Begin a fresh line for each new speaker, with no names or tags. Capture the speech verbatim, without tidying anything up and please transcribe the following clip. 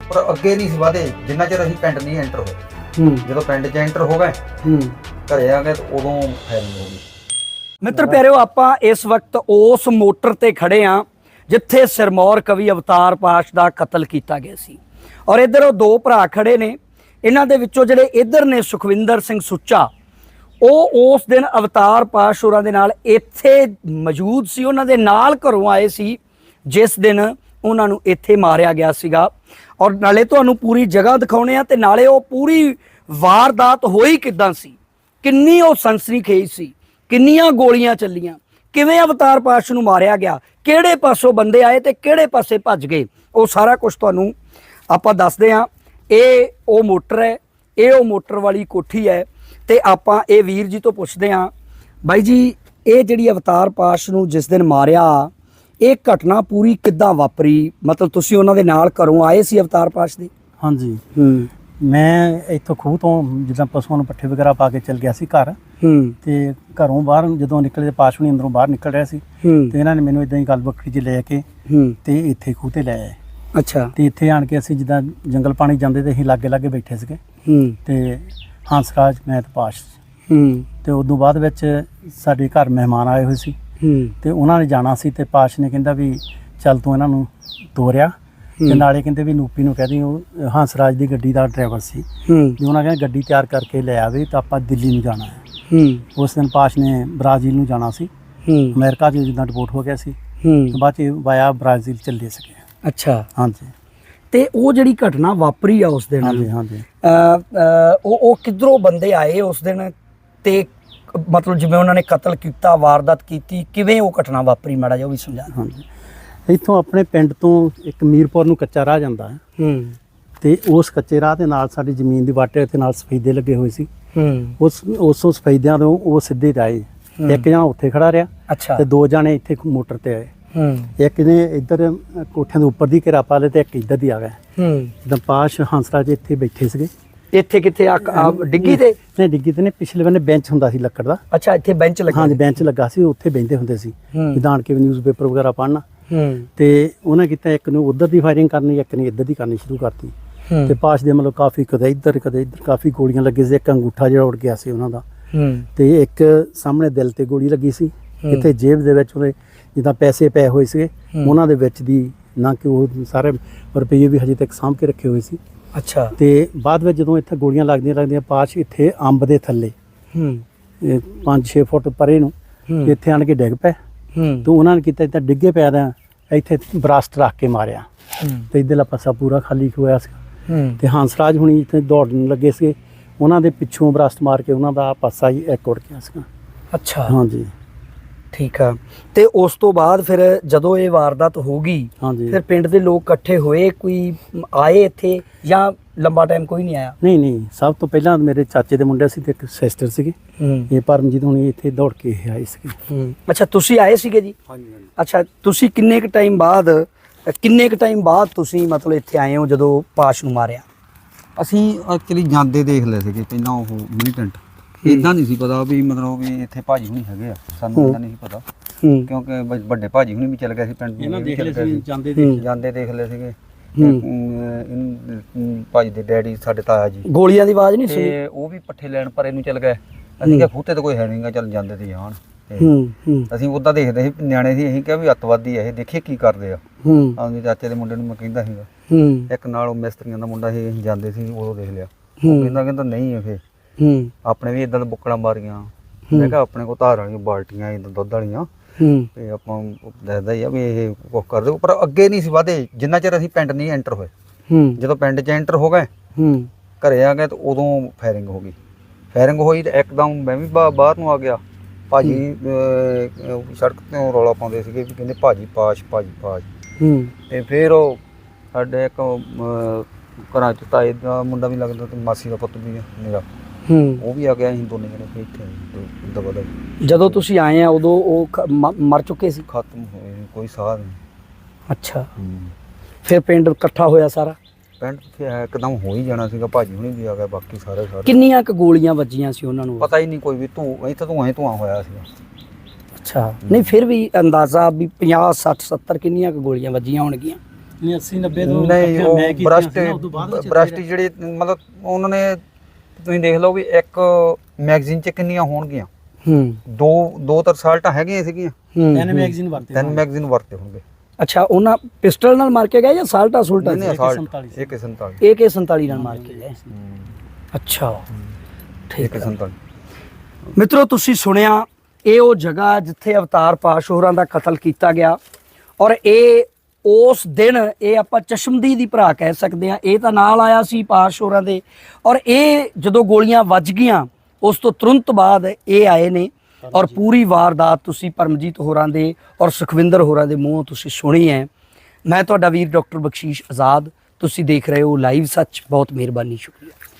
ਪਰ ਅੱਗੇ ਨਹੀਂ ਸੀ ਵਧੇ ਜਿੰਨਾ ਚਿਰ ਅਸੀਂ ਪਿੰਡ ਨਹੀਂ ਐਂਟਰ ਹੋਏ।
ਹੂੰ
ਜਦੋਂ ਪਿੰਡ 'ਚ ਐਂਟਰ ਹੋ ਗਏ
ਹੂੰ
ਘਰੇ ਆ ਗਏ ਤਾਂ ਉਦੋਂ ਫਾਇਰਿੰਗ ਹੋ ਗਈ।
ਮਿੱਤਰ ਪਿਆਰਿਓ, ਆਪਾਂ ਇਸ ਵਕਤ ਉਸ ਮੋਟਰ ਤੇ ਖੜੇ ਆ ਜਿੱਥੇ ਸਿਰਮੌਰ ਕਵੀ ਅਵਤਾਰ ਪਾਸ਼ ਦਾ ਕਤਲ ਕੀਤਾ ਗਿਆ ਸੀ। ਔਰ ਇੱਧਰ ਉਹ ਦੋ ਭਰਾ ਖੜੇ ਨੇ, ਇਹਨਾਂ ਦੇ ਵਿੱਚੋਂ ਜਿਹੜੇ ਇੱਧਰ ਨੇ ਸੁਖਵਿੰਦਰ ਸਿੰਘ ਸੁੱਚਾ, ਉਹ ਉਸ ਦਿਨ ਅਵਤਾਰ ਪਾਸ਼ ਹੋਰਾਂ ਦੇ ਨਾਲ ਇੱਥੇ ਮੌਜੂਦ ਸੀ, ਉਹਨਾਂ ਦੇ ਨਾਲ ਘਰੋਂ ਆਏ ਸੀ ਜਿਸ ਦਿਨ ਉਹਨਾਂ ਨੂੰ ਇੱਥੇ ਮਾਰਿਆ ਗਿਆ ਸੀਗਾ। ਔਰ ਨਾਲੇ ਤੁਹਾਨੂੰ ਪੂਰੀ ਜਗ੍ਹਾ ਦਿਖਾਉਣੇ ਆ ਤੇ ਨਾਲੇ ਉਹ ਪੂਰੀ ਵਾਰਦਾਤ ਹੋਈ ਕਿੱਦਾਂ ਸੀ, ਕਿੰਨੀ ਉਹ ਸਨਸਨੀਖੇਜ਼ ਸੀ, ਕਿੰਨੀਆਂ ਗੋਲੀਆਂ ਚੱਲੀਆਂ, ਕਿਵੇਂ ਅਵਤਾਰ ਪਾਸ਼ ਨੂੰ ਮਾਰਿਆ ਗਿਆ, ਕਿਹੜੇ ਪਾਸੋਂ ਬੰਦੇ ਆਏ ਤੇ ਕਿਹੜੇ ਪਾਸੇ ਭੱਜ ਗਏ, ਉਹ ਸਾਰਾ ਕੁਝ ਤੁਹਾਨੂੰ ਆਪਾਂ ਦੱਸਦੇ ਹਾਂ। ਇਹ ਉਹ ਮੋਟਰ ਹੈ, ਇਹ ਉਹ ਮੋਟਰ ਵਾਲੀ ਕੋਠੀ ਹੈ ਤੇ ਆਪਾਂ ਇਹ ਵੀਰ ਜੀ ਤੋਂ ਪੁੱਛਦੇ ਹਾਂ, ਬਾਈ ਜੀ ਇਹ ਜਿਹੜੀ ਅਵਤਾਰ ਪਾਸ਼ ਨੂੰ ਜਿਸ ਦਿਨ ਮਾਰਿਆ, ਇਹ ਘਟਨਾ ਪੂਰੀ ਕਿੱਦਾਂ ਵਾਪਰੀ? ਮਤਲਬ ਤੁਸੀਂ ਉਹਨਾਂ ਦੇ ਨਾਲ ਘਰੋਂ ਆਏ ਸੀ ਅਵਤਾਰ ਪਾਸ਼ ਦੇ?
ਹਾਂਜੀ,
ਹੂੰ
ਮੈਂ ਇੱਥੋਂ ਖੂਹ ਤੋਂ ਜਿੱਦਾਂ ਪਸ਼ੂਆਂ ਨੂੰ ਪੱਠੇ ਵਗੈਰਾ ਪਾ ਕੇ ਚਲ ਗਿਆ ਸੀ ਘਰ,
ਹੂੰ
ਤੇ ਘਰੋਂ ਬਾਹਰ ਜਦੋਂ ਨਿਕਲੇ ਪਾਸ਼ ਹੁਣੀ ਅੰਦਰੋਂ ਬਾਹਰ ਨਿਕਲ ਰਿਹਾ ਸੀ
ਹੂੰ
ਤੇ ਇਹਨਾਂ ਨੇ ਮੈਨੂੰ ਇਦਾਂ ਹੀ ਗੱਲ ਬੱਕਰੀ 'ਚ ਲੈ ਕੇ
ਹੂੰ
ਤੇ ਇੱਥੇ ਖੂਹ ਤੇ ਲੈ ਆਏ।
ਅੱਛਾ।
ਤੇ ਇੱਥੇ ਆਣ ਕੇ ਅਸੀਂ ਜਿੱਦਾਂ ਜੰਗਲ ਪਾਣੀ ਜਾਂਦੇ ਤੇ ਅਸੀਂ ਲਾਗੇ ਲਾਗੇ ਬੈਠੇ ਸੀਗੇ
ਹੂੰ
ਤੇ ਹੰਸਰਾਜ ਮੈਂ ਤੇ ਪਾਸ਼,
ਹੂੰ
ਤੇ ਉਦੋਂ ਬਾਅਦ ਵਿੱਚ ਸਾਡੇ ਘਰ ਮਹਿਮਾਨ ਆਏ ਹੋਏ ਸੀ
ਹੂੰ
ਤੇ ਉਹਨਾਂ ਨੇ ਜਾਣਾ ਸੀ ਤੇ ਪਾਸ਼ ਨੇ ਕਹਿੰਦਾ ਵੀ ਚੱਲ ਤੂੰ ਇਹਨਾਂ ਨੂੰ ਤੋਰਿਆ, ਤੇ ਨਾਲੇ ਕਹਿੰਦੇ ਵੀ ਨੂਪੀ ਨੂੰ ਕਹਦੀ, ਉਹ ਹੰਸਰਾਜ ਦੀ ਗੱਡੀ ਦਾ ਡਰਾਈਵਰ ਸੀ,
ਹੂੰ
ਵੀ ਉਹਨਾਂ ਕਹਿੰਦੇ ਗੱਡੀ ਤਿਆਰ ਕਰਕੇ ਲੈ ਆਵੇ ਤਾਂ ਆਪਾਂ ਦਿੱਲੀ ਨੂੰ ਜਾਣਾ ਹੈ।
ਹੂੰ
ਉਸ ਦਿਨ ਪਾਸ਼ ਨੇ ਬ੍ਰਾਜ਼ੀਲ ਨੂੰ ਜਾਣਾ ਸੀ,
ਹੂੰ
ਅਮਰੀਕਾ 'ਚ ਜਿੱਦਾਂ ਰਿਪੋਰਟ ਹੋ ਗਿਆ ਸੀ,
ਹੂੰ
ਬਾਅਦ 'ਚ ਵਾਇਆ ਬ੍ਰਾਜ਼ੀਲ ਚੱਲੇ ਸੀਗੇ।
ਅੱਛਾ।
ਹਾਂਜੀ
ਤੇ ਉਹ ਜਿਹੜੀ ਘਟਨਾ ਵਾਪਰੀ ਆ ਉਸ ਦਿਨ,
ਹਾਂਜੀ ਹਾਂਜੀ
ਅ, ਅ, ਉਹ ਉਹ ਕਿੱਧਰੋਂ ਬੰਦੇ ਆਏ ਉਸ ਦਿਨ ਤੇ ਮਤਲਬ ਜਿਵੇਂ ਉਹਨਾਂ ਨੇ ਕਤਲ ਕੀਤਾ, ਵਾਰਦਾਤ ਕੀਤੀ, ਕਿਵੇਂ ਉਹ ਘਟਨਾ ਵਾਪਰੀ, ਮਾੜਾ ਜਿਹਾ ਉਹ ਵੀ ਸਮਝਾ।
ਹਾਂਜੀ ਇੱਥੋਂ ਆਪਣੇ ਪਿੰਡ ਤੋਂ ਇੱਕ ਮੀਰਪੁਰ ਨੂੰ ਕੱਚਾ ਰਾਹ ਜਾਂਦਾ ਹੈ,
ਹੂੰ
ਤੇ ਉਸ ਕੱਚੇ ਰਾਹ ਦੇ ਨਾਲ ਸਾਡੀ ਜ਼ਮੀਨ ਦੀ ਵਾਟੇ ਤੇ ਨਾਲ ਸਫੈਦੇ ਲੱਗੇ ਹੋਏ ਸੀ।
ਹੂੰ
ਉਸ ਉਸੋਂ ਸਫੈਦਿਆਂ ਤੋਂ ਉਹ ਸਿੱਧੇ ਜਾਏ, ਇੱਕ ਜਣਾ ਉੱਥੇ ਖੜਾ ਰਿਹਾ
ਅੱਛਾ।
ਤੇ ਦੋ ਜਣੇ ਇੱਥੇ ਮੋਟਰ ਤੇ ਆਏ,
ਹੂੰ
ਇੱਕ ਨੇ ਇੱਧਰ ਕੋਠਿਆਂ ਦੇ ਉੱਪਰ ਦੀ ਘੇਰਾ ਪਾ ਲਿਆ ਤੇ ਇੱਕ ਇੱਧਰ ਦੀ ਆ ਗਿਆ।
ਹੂੰ
ਜਿੱਦਾਂ ਪਾਸ਼ ਹੰਸਰਾਜ ਇੱਥੇ ਬੈਠੇ ਸੀਗੇ।
ਇੱਥੇ ਕਿੱਥੇ ਆ ਆ ਡਿੱਗੀ ਤੇ?
ਨਹੀਂ ਡਿੱਗੀ ਤੇ ਨੇ, ਪਿਛਲੇ ਬੰਨੇ ਬੈਂਚ ਹੁੰਦਾ ਸੀ ਲੱਕੜ ਦਾ।
ਅੱਛਾ, ਇੱਥੇ ਬੈਂਚ ਲੱਗਾ।
ਹਾਂਜੀ ਬੈਂਚ ਲੱਗਾ ਸੀ, ਉੱਥੇ ਬਹਿੰਦੇ ਹੁੰਦੇ ਸੀ
ਹੂੰ
ਜਿੱਦਾਂ ਆਣ ਕੇ ਨਿਊਜ਼ਪੇਪਰ ਵਗੈਰਾ ਪੜ੍ਹਨਾ।
ਹੂੰ
ਤੇ ਉਹਨੇ ਕੀਤਾ, ਇੱਕ ਨੂੰ ਉਧਰ ਦੀ ਫਾਇਰਿੰਗ ਕਰਨੀ, ਇੱਕ ਨੇ ਇੱਧਰ ਦੀ ਕਰਨੀ ਸ਼ੁਰੂ ਕਰਤੀ।
ਹੂੰ
ਤੇ ਪਾਸ਼ ਦੇ ਮਤਲਬ ਕਾਫੀ ਕਦੇ ਇੱਧਰ ਕਦੇ ਇੱਧਰ ਕਾਫੀ ਗੋਲੀਆਂ ਲੱਗੀ ਸੀ। ਇੱਕ ਅੰਗੂਠਾ ਜਿਹੜਾ ਉੜ ਗਿਆ ਸੀ ਉਹਨਾਂ ਦਾ,
ਹੂੰ
ਤੇ ਇੱਕ ਸਾਹਮਣੇ ਦਿਲ ਤੇ ਗੋਲੀ ਲੱਗੀ ਸੀ।
ਹੂੰ।
ਇੱਥੇ ਜੇਬ ਦੇ ਵਿੱਚ ਉਹਦੇ ਜਿੱਦਾਂ ਪੈਸੇ ਪਏ ਹੋਏ ਸੀਗੇ,
ਹੂੰ।
ਉਹਨਾਂ ਦੇ ਵਿੱਚ ਦੀ ਨਾ ਕਿ ਉਹ ਸਾਰੇ ਰੁਪਈਏ ਵੀ ਹਜੇ ਤੱਕ ਸਾਂਭ ਕੇ ਰੱਖੇ ਹੋਏ ਸੀ।
ਅੱਛਾ।
ਤੇ ਬਾਅਦ ਵਿੱਚ ਜਦੋਂ ਇੱਥੇ ਗੋਲੀਆਂ ਲੱਗਦੀਆਂ ਲੱਗਦੀਆਂ ਪਾਸ਼ ਇੱਥੇ ਅੰਬ ਦੇ ਥੱਲੇ
ਹੂੰ
ਪੰਜ ਛੇ ਫੁੱਟ ਪਰੇ ਨੂੰ
ਹੂੰ
ਇੱਥੇ ਆਣ ਕੇ ਡਿੱਗ ਪਏ।
ਹੂੰ
ਤੇ ਉਹਨਾਂ ਨੇ ਕੀਤਾ ਇੱਦਾਂ ਡਿੱਗੇ ਪਿਆ ਦਾ ਇੱਥੇ ਬਰਾਸਟ ਰੱਖ ਕੇ ਮਾਰਿਆ,
ਹੂੰ
ਤੇ ਇੱਧਰਲਾ ਪਾਸਾ ਪੂਰਾ ਖਾਲੀ ਹੋਇਆ ਸੀ।
ਹੂੰ
ਤੇ ਹੰਸਰਾਜ ਹੁਣੀ ਇੱਥੇ ਦੌੜਨ ਲੱਗੇ ਸੀਗੇ, ਉਹਨਾਂ ਦੇ ਪਿੱਛੋਂ ਬਰਾਸਟ ਮਾਰ ਕੇ ਉਹਨਾਂ ਦਾ ਪਾਸਾ ਹੀ ਇੱਕ ਉੜ ਗਿਆ ਸੀਗਾ।
ਅੱਛਾ,
ਹਾਂਜੀ
ਠੀਕ ਆ। ਤੇ ਉਸ ਤੋਂ ਬਾਅਦ ਫਿਰ ਜਦੋਂ ਇਹ ਵਾਰਦਾਤ ਹੋ ਗਈ,
ਹਾਂਜੀ
ਫਿਰ ਪਿੰਡ ਦੇ ਲੋਕ ਇਕੱਠੇ ਹੋਏ, ਕੋਈ ਆਏ ਇੱਥੇ ਜਾਂ ਲੰਬਾ ਟਾਈਮ ਕੋਈ ਨਹੀਂ ਆਇਆ?
ਨਹੀਂ ਨਹੀਂ ਸਭ ਤੋਂ ਪਹਿਲਾਂ ਮੇਰੇ ਚਾਚੇ ਦੇ ਮੁੰਡੇ ਸੀ ਤੇ ਇੱਕ ਸਿਸਟਰ ਸੀਗੇ,
ਹੂੰ
ਇਹ ਪਰਮਜੀਤ ਹੁਣੀ ਇੱਥੇ ਦੌੜ ਕੇ ਇਹ ਆਏ ਸੀਗੇ।
ਹੂੰ ਅੱਛਾ, ਤੁਸੀਂ ਆਏ ਸੀਗੇ ਜੀ?
ਹਾਂਜੀ ਹਾਂਜੀ
ਅੱਛਾ, ਤੁਸੀਂ ਕਿੰਨੇ ਕੁ ਟਾਈਮ ਬਾਅਦ ਕਿੰਨੇ ਕੁ ਟਾਈਮ ਬਾਅਦ ਤੁਸੀਂ ਮਤਲਬ ਇੱਥੇ ਆਏ ਹੋ ਜਦੋਂ ਪਾਸ਼ ਨੂੰ ਮਾਰਿਆ?
ਅਸੀਂ ਐਕਚੁਅਲੀ ਜਾਂਦੇ ਦੇਖ ਲਏ ਸੀਗੇ ਪਹਿਲਾਂ ਉਹ ਮਿਲੀਟੈਂਟ, ਇਦਾਂ ਨਹੀਂ ਸੀ ਪਤਾ ਵੀ ਮਤਲਬ ਵੀ ਇੱਥੇ ਭਾਜੀ ਹੁਣੀ ਹੈਗੇ ਆ, ਸਾਨੂੰ ਇਦਾਂ ਨਹੀਂ ਸੀ ਪਤਾ
ਹੂੰ
ਕਿਉਂਕਿ ਵ- ਵੱਡੇ ਭਾਜੀ ਹੁਣੀ ਵੀ ਚੱਲ ਗਏ ਸੀ ਪਿੰਡ
ਇਹਨਾਂ
ਇਹ ਵੀ
ਦੇਖ
ਚੱਲ
ਲਏ
ਗਏ
ਸੀ
ਸੀ।
ਜਾਂਦੇ
ਹੂੰ।
ਦੇਖ
ਜਾਂਦੇ ਦੇਖ ਲਏ ਸੀਗੇ। ਤੇ,
ਹੂੰ।
ਅਮ, ਇਹਨੂੰ ਭਾਜੀ ਦੇ ਡੈਡੀ ਸਾਡੇ ਤਾਇਆ ਜੀ,
ਗੋਲੀਆਂ ਦੀ ਆਵਾਜ਼ ਨਹੀਂ ਸੁਣੀ?
ਤੇ ਉਹ ਵੀ ਪੱਠੇ ਲੈਣ ਪਰੇ ਨੂੰ ਚੱਲ ਗਏ। ਅਸੀਂ ਕਿਹਾ ਖੂਤੇ ਤੇ ਕੋਈ ਹੈ ਨਹੀਂਗਾ, ਚੱਲ ਜਾਂਦੇ ਤੇ ਜਾਣ। ਤੇ
ਹੂੰ ਹੂੰ
ਅਸੀਂ ਉੱਦਾਂ ਦੇਖਦੇ ਸੀ ਨਿਆਣੇ ਸੀ, ਅਸੀਂ ਕਿਹਾ ਵੀ ਅੱਤਵਾਦੀ ਆ ਇਹ, ਦੇਖੀਏ ਕੀ ਕਰਦੇ ਆ।
ਹੂੰ
ਆਪਣੇ ਚਾਚੇ ਦੇ ਮੁੰਡੇ ਨੂੰ ਮੈਂ ਕਹਿੰਦਾ ਸੀਗਾ,
ਹੂੰ
ਇੱਕ ਨਾਲ ਉਹ ਮਿਸਤਰੀਆਂ ਦਾ ਮੁੰਡਾ ਸੀ, ਅਸੀਂ ਜਾਂਦੇ ਸੀ ਉਦੋਂ ਦੇਖ ਲਿਆ।
ਹੂੰ।
ਉਹ ਕਹਿੰਦਾ ਕਹਿੰਦਾ ਨਹੀਂ ਇਹ ਫੇ
ਹੂੰ
ਆਪਣੇ ਵੀ ਇਦਾਂ ਦੇ ਬੁੱਕੜਾਂ ਮਾਰੀਆਂ। ਮੈਂ ਕਿਹਾ ਆਪਣੇ ਕੋਲ ਧਾਰ ਵਾਲੀਆਂ ਬਾਲਟੀਆਂ ਇਦਾਂ ਦੁੱਧ ਵਾਲੀਆਂ,
ਹੂੰ
ਤੇ ਆਪਾਂ ਦੱਸਦਾ ਹੀ ਆ ਵੀ ਇਹ ਕੁਛ ਕਰਦੇ, ਪਰ ਅੱਗੇ ਨਹੀਂ ਸੀ ਵਧੇ ਜਿੰਨਾ ਚਿਰ ਅਸੀਂ ਪਿੰਡ ਨਹੀਂ ਐਂਟਰ ਹੋਏ।
ਹੂੰ
ਜਦੋਂ ਪਿੰਡ 'ਚ ਐਂਟਰ ਹੋ ਗਏ
ਹੂੰ
ਘਰੇ ਆ ਗਏ ਤਾਂ ਉਦੋਂ ਫਾਇਰਿੰਗ ਹੋ ਗਈ। ਫਾਇਰਿੰਗ ਹੋਈ ਤੇ ਇੱਕਦਮ ਮੈਂ ਵੀ ਬਾ- ਬਾਹਰ ਨੂੰ ਆ ਗਿਆ। ਭਾਜੀ ਅਹ, ਸੜਕ ਤੋਂ ਰੌਲਾ ਪਾਉਂਦੇ ਸੀਗੇ ਵੀ ਕਹਿੰਦੇ ਭਾਜੀ ਪਾਸ਼ ਭਾਜੀ ਪਾਸ਼।
ਹੂੰ
ਤੇ ਫਿਰ ਉਹ ਸਾਡੇ ਇੱਕ ਅਹ, ਘਰਾਂ 'ਚ ਤਾਏ ਦਾ ਮੁੰਡਾ ਵੀ ਲੱਗਦਾ ਤੇ ਮਾਸੀ ਦਾ ਪੁੱਤ ਵੀ ਆ ਮੇਰਾ,
ਹੂੰ
ਉਹ ਵੀ ਆ ਗਿਆ। ਅਸੀਂ ਦੋਨੇ ਜਣੇ ਫਿਰ ਇੱਥੇ ਆਏ ਤੇ ਦਬਾ ਦਬ
ਜਦੋਂ ਤੁਸੀਂ ਆਏ ਆ ਉਦੋਂ ਉਹ ਖ- ਮ- ਮਰ ਚੁੱਕੇ ਸੀ?
ਖਤਮ ਹੋਏ, ਕੋਈ ਸਾਹ ਨਹੀਂ।
ਅੱਛਾ, ਫਿਰ ਪਿੰਡ ਇਕੱਠਾ ਹੋਇਆ ਸਾਰਾ?
ਪਿੰਡ ਫਿਰ ਇੱਕਦਮ ਹੋ ਹੀ ਜਾਣਾ ਸੀਗਾ, ਭਾਜੀ ਹੁਣੀ ਵੀ ਆ ਗਏ, ਬਾਕੀ ਸਾਰੇ ਸਾਰੇ।
ਕਿੰਨੀਆਂ ਕੁ ਗੋਲੀਆਂ ਵੱਜੀਆਂ ਸੀ ਉਹਨਾਂ ਨੂੰ?
ਪਤਾ ਹੀ ਨਹੀਂ ਕੋਈ ਵੀ, ਧੂੰ ਇੱਥੇ ਧੂਆਂ ਹੀ ਧੂਆਂ ਹੋਇਆ ਸੀਗਾ।
ਅੱਛਾ, ਨਹੀਂ ਫਿਰ ਵੀ ਅੰਦਾਜ਼ਾ ਵੀ ਪੰਜਾਹ ਸੱਠ ਸੱਤਰ ਕਿੰਨੀਆਂ ਕੁ ਗੋਲੀਆਂ ਵੱਜੀਆਂ ਹੋਣਗੀਆਂ?
ਨਹੀਂ ਅੱਸੀ ਨੱਬੇ ਤੋਂ
ਨਹੀਂ
ਇਕੱਠੀਆਂ
ਉਹ
ਮੈਂ ਕੀਤੀਆਂ
ਬ੍ਰਸ਼ਟ
ਸੀ ਨਾ, ਉਦੋਂ ਬਾਅਦ ਵਿੱਚ
ਬ੍ਰਸ਼ਟ ਜਿਹੜੇ ਮਤਲਬ ਉਹਨਾਂ ਨੇ ਤੁਸੀਂ ਦੇਖ ਲਓ ਵੀ ਇੱਕ ਮੈਗਜ਼ੀਨ 'ਚ ਕਿੰਨੀਆਂ ਹੋਣਗੀਆਂ,
ਹੂੰ
ਦੋ ਦੋ ਤਾਂ ਸਾਲਟਾਂ ਹੈਗੀਆਂ ਸੀਗੀਆਂ,
ਹੂੰ
ਤਿੰਨ ਮੈਗਜ਼ੀਨ ਵਰਤੇ
ਤਿੰਨ ਮੈਗਜ਼ੀਨ ਵਰਤੇ ਹੋਣਗੇ।
ਅੱਛਾ, ਉਹਨਾਂ ਪਿਸਟਲ ਨਾਲ ਮਾਰ ਕੇ ਗਏ ਜਾਂ ਸਾਲਟਾ ਸੁਲਟਾ
ਨਹੀਂ
ਸੀ?
ਅਸਾਲਟ
ਸੰਤਾਲੀ ਸੀ।
ਇੱਕ ਸੰਤਾਲੀ
ਏ ਕੇ ਸੰਤਾਲੀ ਨਾਲ ਮਾਰ ਕੇ ਗਏ। ਅੱਛਾ, ਠੀਕ
ਇੱਕ
ਹੈ।
ਸੰਤਾਲੀ
ਮਿੱਤਰੋ, ਤੁਸੀਂ ਸੁਣਿਆ ਇਹ ਉਹ ਜਗ੍ਹਾ ਜਿੱਥੇ ਅਵਤਾਰ ਪਾਸ਼ ਹੋਰਾਂ ਦਾ ਕਤਲ ਕੀਤਾ ਗਿਆ, ਔਰ ਇਹ ਉਸ ਦਿਨ ਇਹ ਆਪਾਂ ਚਸ਼ਮਦੀਦ ਦੀ ਭਰਾ ਕਹਿ ਸਕਦੇ ਹਾਂ, ਇਹ ਤਾਂ ਨਾਲ ਆਇਆ ਸੀ ਪਾਸ਼ ਹੋਰਾਂ ਦੇ, ਔਰ ਇਹ ਜਦੋਂ ਗੋਲੀਆਂ ਵੱਜ ਗਈਆਂ ਉਸ ਤੋਂ ਤੁਰੰਤ ਬਾਅਦ ਇਹ ਆਏ ਨੇ, ਔਰ ਪੂਰੀ ਵਾਰਦਾਤ ਤੁਸੀਂ ਪਰਮਜੀਤ ਹੋਰਾਂ ਦੇ ਔਰ ਸੁਖਵਿੰਦਰ ਹੋਰਾਂ ਦੇ ਮੂੰਹੋਂ ਤੁਸੀਂ ਸੁਣੀ ਹੈ। ਮੈਂ ਤੁਹਾਡਾ ਵੀਰ ਡਾਕਟਰ ਬਖਸ਼ੀਸ਼ ਆਜ਼ਾਦ, ਤੁਸੀਂ ਦੇਖ ਰਹੇ ਹੋ ਲਾਈਵ ਸੱਚ। ਬਹੁਤ ਮਿਹਰਬਾਨੀ, ਸ਼ੁਕਰੀਆ।